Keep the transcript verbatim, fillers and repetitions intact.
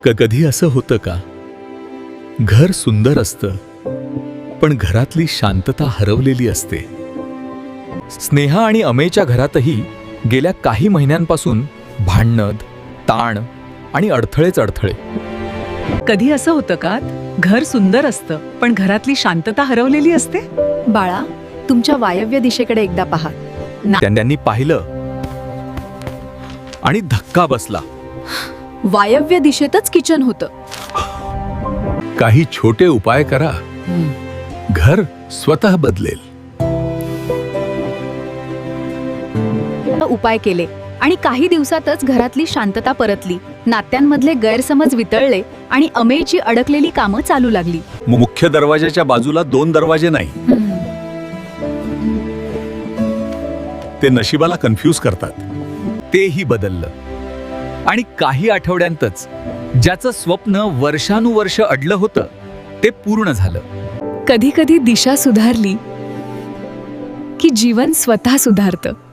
क- कधी असं होतं का? घर सुंदर असतं, पण घरातली शांतता हरवलेली असते. स्नेहा आणि अमेयच्या घरातही गेल्या काही महिन्यांपासून भांडण, ताण आणि अडथळेच अडथळे. कधी असं होतं का घर सुंदर असतं पण घरातली शांतता हरवलेली असते? बाळा, तुमच्या वायव्य दिशेकडे एकदा पहा. त्यां- त्यांनी पाहिलं आणि धक्का बसला. वायव्य दिशेतच किचन होतं. काही छोटे उपाय करा, घर स्वतः बदलेल. उपाय केले आणि काही दिवसातच घरातली शांतता परतली. नात्यांमधले गैरसमज वितळले आणि अमेयची अडकलेली कामं चालू लागली. मुख्य दरवाजाच्या बाजूला दोन दरवाजे नाही, ते नशिबाला कन्फ्यूज करतात. तेही बदललं आणि काही आठवड्यांतच ज्याचं स्वप्न वर्षानुवर्ष अडलं होतं ते पूर्ण झालं. कधी कधी दिशा सुधारली की जीवन स्वतः सुधारतं.